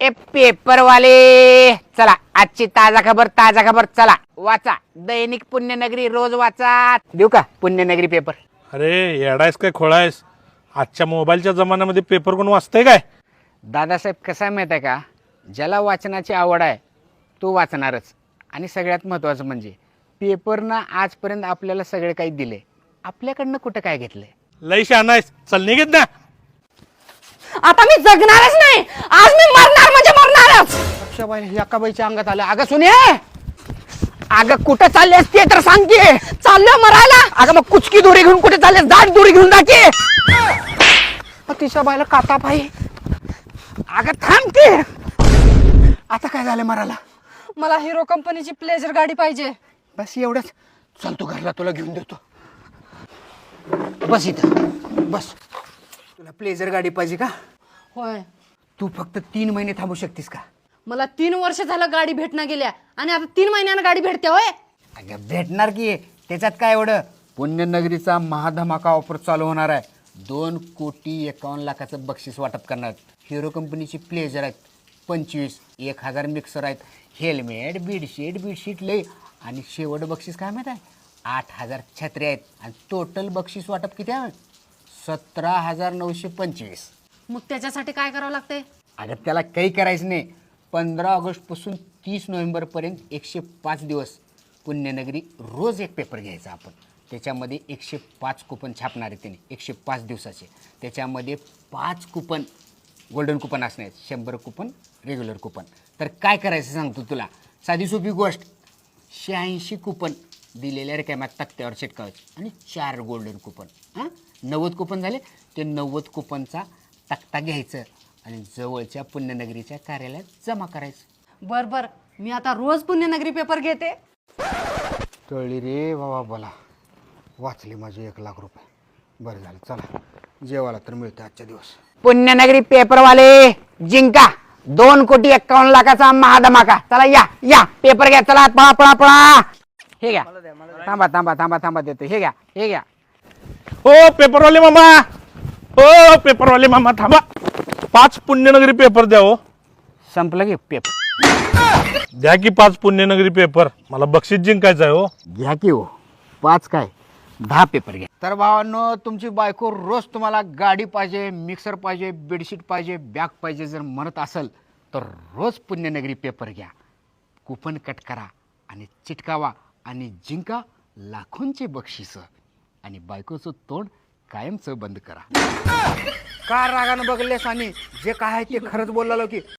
ए पेपरवाले चला आजची ताजा खबर चला वाचा दैनिक पुण्यनगरी रोज वाचा देऊ का पुण्यनगरी पेपर. अरे येडायस काय खोळायस? आजच्या मोबाईलच्या जमान्यामध्ये पेपर कोण वाचतंय काय? दादासाहेब कसा माहित आहे का, ज्याला वाचनाची आवड आहे तो वाचणारच. आणि सगळ्यात महत्त्वाचं म्हणजे पेपरनं आजपर्यंत आपल्याला सगळे काही दिले, आपल्याकडनं कुठं काय घेतलंय. लई शहाणायस, चल निघेत ना. आता मी जगणारच नाही, आज मी मरणार म्हणजे मरणारच. अक्षबाई एका बाईच्या अंगात आलं. अगं सुने, अगं कुठं चालली असते तर सांग की. चाललो मरायला. अगं मग कुचकी दोरी घेऊन कुठे चालले? दाट दोरी घेऊन जाते. तिच्या बाईला काता पाई. अगं थांब की. आता काय झालं मराला? मला हिरो कंपनीची प्लेजर गाडी पाहिजे. बस एवढंच. चल तू घरला, तुला घेऊन देतो. बस इथं बस. तुला प्लेजर गाडी पाहिजे का? होय, तू फक्त 3 महिने थांबू शकतीस का? मला 3 वर्ष झालं गाडी भेटना गेल्या आणि आता 3 महिन्यानं गाडी भेटते. होय, अगं भेटणार की, त्याच्यात काय एवढं. पुण्यनगरीचा महाधमाका ऑफर चालू होणार आहे. 2,51,00,000चं बक्षीस वाटप करणार आहेत. हिरो कंपनीची प्लेजर आहेत 25, 1,000 मिक्सर आहेत, हेल्मेट बेडशीट लय. आणि शेवट बक्षीस काय माहीत आहे? 8,000 छत्र्या आहेत. आणि टोटल बक्षीस वाटप किती आहे? 17,925. मग त्याच्यासाठी काय करावं लागतंय? अगं त्याला काही करायचं नाही. 15 ऑगस्टपासून 30 नोव्हेंबरपर्यंत 105 दिवस पुण्यनगरी रोज एक पेपर घ्यायचा आपण. त्याच्यामध्ये 105 कुपन छापणार आहे त्याने 105 दिवसाचे. त्याच्यामध्ये 5 कुपन गोल्डन कुपन असणार आहेत, 100 कुपन रेग्युलर कुपन. तर काय करायचं सांगतो तुला, साधी सोपी गोष्ट. 86 कुपन दिलेल्या रिकाम्या तक्त्यावर चिटकावायचे आणि 4 गोल्डन कुपन. 90 कुपन झाले. ते 90 कुपनचा तक्ता घ्यायचं आणि जवळच्या पुण्यनगरीच्या कार्यालयात जमा करायचं. बर, मी आता रोज पुण्यनगरी पेपर घेते. कळली रे बाबा, बोला वाचले माझे 1,00,000 रुपये. बरं झालं, चला जेवायला तर मिळतं आजच्या दिवस. पुण्यनगरी पेपरवाले जिंका 2,51,00,000चा महाधमाका. चला या पेपर घ्या. चला पळा. हे घ्या. थांबा देतो. हे घ्या. ओ पेपरवाले मामा थांबा. 5 पुण्यनगरी पेपर द्या हो. संपलं की पेपर. द्या की 5 पुण्यनगरी पेपर, मला बक्षीस जिंकायचं आहे हो. घ्या की हो. 5 काय 10 पेपर घ्या. तर भावांनो, तुमची बायको रोज तुम्हाला गाडी पाहिजे, मिक्सर पाहिजे, बेडशीट पाहिजे, बॅग पाहिजे जर म्हणत असेल तर रोज पुण्यनगरी पेपर घ्या. कुपन कट करा आणि चिटकावा आणि जिंका लाखोंचे बक्षीस. आणि बायकोचं तोंड कायमचं बंद करा. का रागानं बघलेस आणि जे काय आहे ते खरंच बोललो की